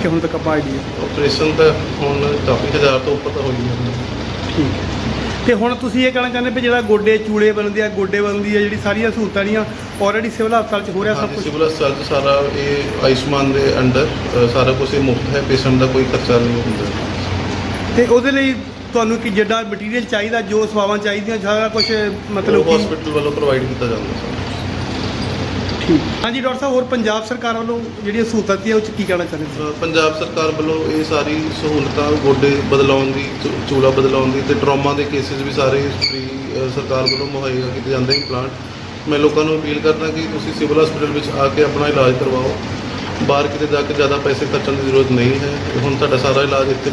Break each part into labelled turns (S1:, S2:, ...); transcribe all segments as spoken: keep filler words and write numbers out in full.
S1: ਕਿ ਹੁਣ ਤੱਕ ਆਪਾਂ ਆਈਡੀਆ?
S2: ਆਪਰੇਸ਼ਨ ਤਾਂ ਹੁਣ ਕਾਫੀ ਹਜ਼ਾਰ ਤੋਂ ਉੱਪਰ ਤਾਂ ਹੋਈ ਹੈ।
S1: ਠੀਕ ਹੈ। ਤੇ ਹੁਣ ਤੁਸੀਂ ਇਹ ਕਹਿਣਾ ਚਾਹੁੰਦੇ ਵੀ ਜਿਹੜਾ ਗੋਡੇ ਚੂਲੇ ਬਣਦੇ ਆ, ਗੋਡੇ ਬਣਦੀ ਆ, ਜਿਹੜੀ ਸਾਰੀਆਂ ਸਹੂਲਤਾਂ ਜਿਹੜੀਆਂ ਆਲਰੇਡੀ ਸਿਵਲ ਹਸਪਤਾਲ 'ਚ ਹੋ ਰਿਹਾ ਸਭ
S2: ਹਾਂਜੀ,
S1: ਕੁਝ?
S2: ਸਿਵਲ ਹਸਪਤਾਲ 'ਚ ਸਾਰਾ ਇਹ ਆਯੁਸ਼ਮਾਨ ਦੇ ਅੰਡਰ ਅ, ਸਾਰਾ ਕੁਝ ਮੁਫਤ ਹੈ, ਪੇਸ਼ੈਂਟ ਦਾ ਕੋਈ ਖਰਚਾ ਨਹੀਂ ਹੁੰਦਾ।
S1: ਤੇ ਉਹਦੇ ਲਈ ਤੁਹਾਨੂੰ ਕਿ ਜਿਹੜਾ ਮਟੀਰੀਅਲ ਚਾਹੀਦਾ, ਜੋ ਸੇਵਾਵਾਂ ਚਾਹੀਦੀਆਂ, ਸਾਰਾ ਕੁਝ ਮਤਲਬ ਕਿ
S2: ਹਸਪੀਟਲ ਵੱਲੋਂ ਪ੍ਰੋਵਾਈਡ ਕੀਤਾ ਜਾਂਦਾ ਸਰ।
S1: ਠੀਕ। ਹਾਂਜੀ ਡਾਕਟਰ ਸਾਹਿਬ, ਹੋਰ ਪੰਜਾਬ ਸਰਕਾਰ ਵੱਲੋਂ ਜਿਹੜੀਆਂ ਸਹੂਲਤਾਂ ਦਿੱਤੀਆਂ ਉਹ 'ਚ ਕੀ ਕਹਿਣਾ ਚਾਹੁੰਦੇ ਹੋ?
S2: ਅ, ਪੰਜਾਬ ਸਰਕਾਰ ਵੱਲੋਂ ਇਹ ਸਾਰੀ ਸਹੂਲਤਾਂ ਗੋਡੇ ਬਦਲਾਉਣ ਦੀ, ਚੂ- ਚੂਲਾ ਬਦਲਾਉਣ ਦੀ ਤੇ ਟਰਾਮਾ ਦੇ ਕੇਸਿਸ ਵੀ ਸਾਰੇ ਫ੍ਰੀ ਸਰਕਾਰ ਵੱਲੋਂ ਮੁਹੱਈਆ ਕੀਤੇ ਜਾਂਦੇ ਇੰਪਲਾਂਟ। ਮੈਂ ਲੋਕਾਂ ਨੂੰ ਅਪੀਲ ਕਰਦਾ ਕਿ ਤੁਸੀਂ ਸਿਵਲ ਹਸਪੀਟਲ ਵਿੱਚ ਆ ਕੇ ਆਪਣਾ ਇਲਾਜ ਕਰਵਾਓ। ਬਾਹਰ ਕਿਤੇ ਜਾ ਕੇ ਜ਼ਿਆਦਾ ਪੈਸੇ ਖਰਚਣ ਦੀ ਜ਼ਰੂਰਤ ਨਹੀਂ ਹੈ। ਹੁਣ ਤੁਹਾਡਾ ਸਾਰਾ ਇਲਾਜ ਇੱਥੇ।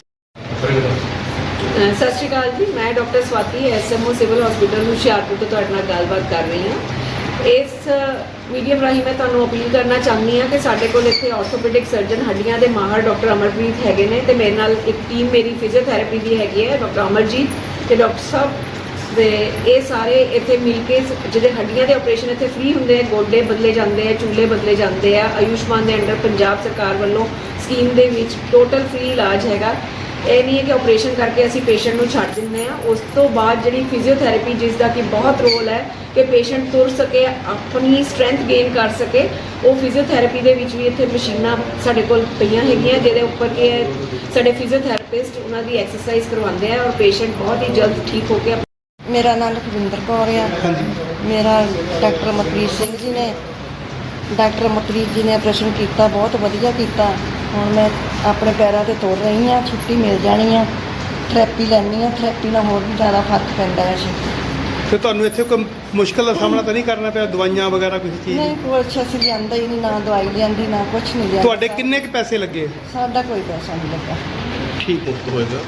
S3: ਸਤਿ ਸ਼੍ਰੀ ਅਕਾਲ ਜੀ, ਮੈਂ doctor Swati S M O civil hospital Hoshiarpur ਤੋਂ ਤੁਹਾਡੇ ਨਾਲ ਗੱਲਬਾਤ ਕਰ ਰਹੀ ਹਾਂ। ਇਸ ਮੀਡੀਅਮ ਰਾਹੀਂ ਮੈਂ ਤੁਹਾਨੂੰ ਅਪੀਲ ਕਰਨਾ ਚਾਹੁੰਦੀ ਹਾਂ ਕਿ ਸਾਡੇ ਕੋਲ ਇੱਥੇ ਆਰਥੋਪੈਡਿਕ ਸਰਜਨ, ਹੱਡੀਆਂ ਦੇ ਮਾਹਰ ਡਾਕਟਰ ਅਮਰਪ੍ਰੀਤ ਹੈਗੇ ਨੇ ਤੇ ਮੇਰੇ ਨਾਲ ਇੱਕ ਟੀਮ ਮੇਰੀ ਫਿਜ਼ੀਓਥੈਰੇਪੀ ਦੀ ਹੈਗੀ ਹੈ, ਡਾਕਟਰ ਅਮਰਜੀਤ ਤੇ ਡਾਕਟਰ ਸਾਹਿਬ ਤੇ ਇਹ ਸਾਰੇ ਇੱਥੇ ਮਿਲ ਕੇ ਜਿਹੜੇ ਹੱਡੀਆਂ ਦੇ ਆਪਰੇਸ਼ਨ ਇੱਥੇ ਫ੍ਰੀ ਹੁੰਦੇ ਆ, ਗੋਡੇ ਬਦਲੇ ਜਾਂਦੇ ਆ, ਚੂਲੇ ਬਦਲੇ ਜਾਂਦੇ ਆ। ਆਯੁਸ਼ਮਾਨ ਦੇ ਅੰਡਰ ਪੰਜਾਬ ਸਰਕਾਰ ਵੱਲੋਂ ਸਕੀਮ ਦੇ ਵਿੱਚ ਟੋਟਲ ਫ੍ਰੀ ਇਲਾਜ ਹੈਗਾ। ਇਹ ਨਹੀਂ ਹੈ ਕਿ ਆਪਰੇਸ਼ਨ ਕਰਕੇ ਅਸੀਂ ਪੇਸ਼ੈਂਟ ਨੂੰ ਛੱਡ ਦਿੰਦੇ ਹਾਂ। ਉਸ ਤੋਂ ਬਾਅਦ ਜਿਹੜੀ ਫਿਜ਼ੀਓਥੈਰੇਪੀ, ਜਿਸ ਦਾ ਕਿ ਬਹੁਤ ਰੋਲ ਹੈ ਕਿ ਪੇਸ਼ੈਂਟ ਤੁਰ ਸਕੇ, ਆਪਣੀ ਸਟਰੈਂਥ ਗੇਨ ਕਰ ਸਕੇ, ਉਹ ਫਿਜ਼ੀਓਥੈਰੇਪੀ ਦੇ ਵਿੱਚ ਵੀ ਇੱਥੇ ਮਸ਼ੀਨਾਂ ਸਾਡੇ ਕੋਲ ਪਈਆਂ ਹੈਗੀਆਂ, ਜਿਹਦੇ ਉੱਪਰ ਕਿ ਸਾਡੇ ਫਿਜ਼ੀਓਥੈਰੇਪਿਸਟ ਉਹਨਾਂ ਦੀ ਐਕਸਰਸਾਈਜ਼ ਕਰਵਾਉਂਦੇ ਆ ਔਰ ਪੇਸ਼ੈਂਟ ਬਹੁਤ ਹੀ ਜਲਦ ਠੀਕ ਹੋ ਕੇ।
S4: ਮੇਰਾ ਨਾਮ ਲਖਵਿੰਦਰ ਕੌਰ ਆ। ਮੇਰਾ ਡਾਕਟਰ ਮਤਰੀਤ ਸਿੰਘ ਜੀ ਨੇ ਡਾਕਟਰ ਮਤਰੀਤ ਜੀ ਨੇ ਆਪਰੇਸ਼ਨ ਕੀਤਾ, ਬਹੁਤ ਵਧੀਆ ਕੀਤਾ। ਹੁਣ ਮੈਂ ਆਪਣੇ ਪੈਰਾਂ 'ਤੇ ਤੁਰ ਰਹੀ ਹਾਂ, ਛੁੱਟੀ ਮਿਲ ਜਾਣੀ ਆ, ਥੈਰੇਪੀ ਲੈਣੀ ਆ। ਥੈਰੇਪੀ ਨਾਲ ਹੋਰ ਵੀ ਜ਼ਿਆਦਾ ਫਰਕ ਪੈਂਦਾ ਹੈ ਜੀ।
S1: ਤੇ ਤੁਹਾਨੂੰ ਇੱਥੇ ਕੋਈ ਮੁਸ਼ਕਲ ਦਾ ਸਾਹਮਣਾ ਤਾਂ ਨਹੀਂ ਕਰਨਾ ਪਿਆ, ਦਵਾਈਆਂ ਵਗੈਰਾ ਕਿਸੇ ਚੀਜ਼
S4: ਨਹੀਂ,
S1: ਦੀ?
S4: ਕੁਛ ਅਸੀਂ ਲਿਆਂਦਾ ਹੀ ਨਹੀਂ, ਨਾ ਦਵਾਈ ਲਿਆਂਦੀ, ਨਾ ਕੁਛ ਨਹੀਂ ਲਿਆਂਦਾ।
S1: ਤੁਹਾਡੇ ਕਿੰਨੇ ਕੁ ਪੈਸੇ ਲੱਗੇ?
S4: ਸਾਡਾ ਕੋਈ ਪੈਸਾ ਨਹੀਂ ਲੱਗਾ।
S1: ਠੀਕ ਹੈ।
S2: ਮੁਫਤ ਹੋਏਗਾ।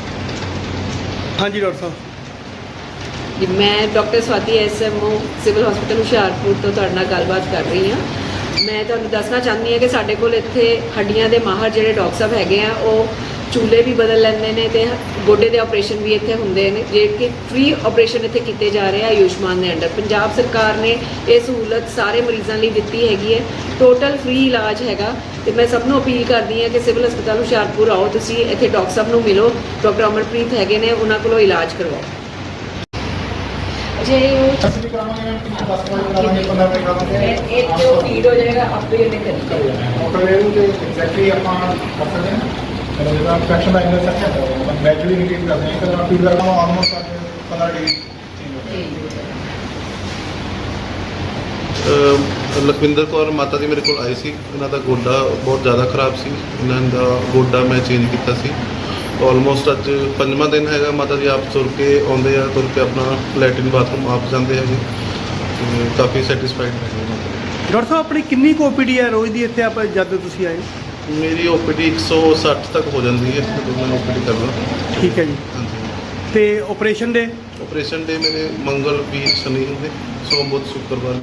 S1: ਹਾਂਜੀ ਡਾਕਟਰ ਸਾਹਿਬ।
S3: ਜੀ, ਮੈਂ doctor Swati S M O civil hospital Hoshiarpur ਤੋਂ ਤੁਹਾਡੇ ਨਾਲ ਗੱਲਬਾਤ ਕਰ ਰਹੀ ਹਾਂ। ਮੈਂ ਤੁਹਾਨੂੰ ਦੱਸਣਾ ਚਾਹੁੰਦੀ ਹਾਂ ਕਿ ਸਾਡੇ ਕੋਲ ਇੱਥੇ ਹੱਡੀਆਂ ਦੇ ਮਾਹਰ ਜਿਹੜੇ ਡਾਕਟਰ ਸਾਹਿਬ ਹੈਗੇ ਆ, ਉਹ ਚੂਲੇ ਵੀ ਬਦਲ ਲੈਂਦੇ ਨੇ ਤੇ ਗੋਡੇ ਦੇ ਆਪਰੇਸ਼ਨ ਵੀ ਇੱਥੇ ਹੁੰਦੇ ਨੇ, ਜਿਹੜੇ ਕਿ ਫ੍ਰੀ ਆਪਰੇਸ਼ਨ ਇੱਥੇ ਕੀਤੇ ਜਾ ਰਹੇ ਆ ਆਯੁਸ਼ਮਾਨ ਦੇ ਅੰਡਰ। ਪੰਜਾਬ ਸਰਕਾਰ ਨੇ ਇਹ ਸਹੂਲਤ ਸਾਰੇ ਮਰੀਜ਼ਾਂ ਲਈ ਦਿੱਤੀ ਹੈਗੀ ਹੈ। ਟੋਟਲ ਫ੍ਰੀ ਇਲਾਜ ਹੈਗਾ ਤੇ ਮੈਂ ਸਭ ਨੂੰ ਅਪੀਲ ਕਰਦੀ ਹਾਂ ਕਿ ਸਿਵਲ ਹਸਪਤਾਲ ਹੁਸ਼ਿਆਰਪੁਰ ਆਓ, ਤੁਸੀਂ ਇੱਥੇ ਡਾਕਟਰ ਸਾਹਿਬ ਨੂੰ ਮਿਲੋ, ਡਾਕਟਰ ਅਮਰਪ੍ਰੀਤ ਹੈਗੇ ਨੇ, ਉਹਨਾਂ ਕੋਲੋਂ ਇਲਾਜ ਕਰਵਾਓ। ਜੇ
S5: ਅਸੀਂ ਕਰਾਵਾਂਗੇ ਦਸ ਵਜੇ ਕਰਾਵਾਂਗੇ, ਪੰਦਰਾਂ ਵਜੇ ਕਰਾਵਾਂਗੇ।
S3: ਇਹ ਤੇ ਉਹ ਫੀਡ ਹੋ ਜਾਏਗਾ, ਆਪੇ ਇਹਨੇ ਕਰੀ ਜਾਏਗਾ।
S5: ਆਟੋਮੈਟਿਕ ਤੇ ਐਗਜ਼ੈਕਟਲੀ ਆਪਾਂ ਕਰ ਸਕਦੇ ਹਾਂ। ਜਦੋਂ ਜਿਹੜਾ ਇਨਫੈਕਸ਼ਨ ਦਾ ਇੰਨਾ ਸੱਚਾ ਹੈ, ਗ੍ਰੈਜੂਅਲੀ ਨਿਕਲ ਕਰਦੇ ਹਾਂ। ਕਦੋਂ ਫੀਡ ਕਰਨਾ ਆਲਮੋਸਟ ਪੰਦਰਾਂ ਡਿਗਰੀ ਚੇਂਜ ਹੋ
S2: ਅ, ਲਖਵਿੰਦਰ ਕੌਰ ਮਾਤਾ ਜੀ ਮੇਰੇ ਕੋਲ ਆਏ ਸੀ। ਇਹਨਾਂ ਦਾ ਗੋਡਾ ਬਹੁਤ ਜ਼ਿਆਦਾ ਖਰਾਬ ਸੀ। ਇਹਨਾਂ ਦਾ ਗੋਡਾ ਮੈਂ ਚੇਂਜ ਕੀਤਾ ਸੀ। ਆਲਮੋਸਟ ਅੱਜ ਪੰਜਵਾਂ ਦਿਨ ਹੈਗਾ। ਮਾਤਾ ਜੀ ਆਪ ਤੁਰ ਕੇ ਆਉਂਦੇ ਆ, ਤੁਰ ਕੇ ਆਪਣਾ ਲੈਟਰਿਨ ਬਾਥਰੂਮ ਆਪ ਜਾਂਦੇ ਹੈਗੇ। ਤੇ ਕਾਫੀ ਸੈਟੀਸਫਾਈਡ ਹੈਗੇ ਮਾਤਾ ਜੀ।
S1: ਡਾਕਟਰ ਸਾਹਿਬ, ਆਪਣੀ ਕਿੰਨੀ ਕੁ ਓਪੀਡੀ ਹੈ ਰੋਜ਼ ਦੀ ਇੱਥੇ ਆਪਾਂ ਜਦ ਤੁਸੀਂ ਆਏ?
S2: ਮੇਰੀ ਓਪੀਡੀ ਇੱਕ ਸੌ ਸੱਠ ਤੱਕ ਹੋ ਜਾਂਦੀ ਹੈ ਜਦੋਂ ਮੈਂ ਓਪੀਡੀ ਕਰਦਾ।
S1: ਠੀਕ ਹੈ ਜੀ।
S2: ਹਾਂਜੀ।
S1: ਤੇ ਆਪਰੇਸ਼ਨ ਦੇ?
S2: ਆਪਰੇਸ਼ਨ ਡੇ ਮੇਰੇ ਮੰਗਲ, ਵੀਰ, ਸ਼ਨੀ ਹੁੰਦੇ, ਸੋਮ, ਬੁੱਧ, ਸ਼ੁੱਕਰਵਾਰ।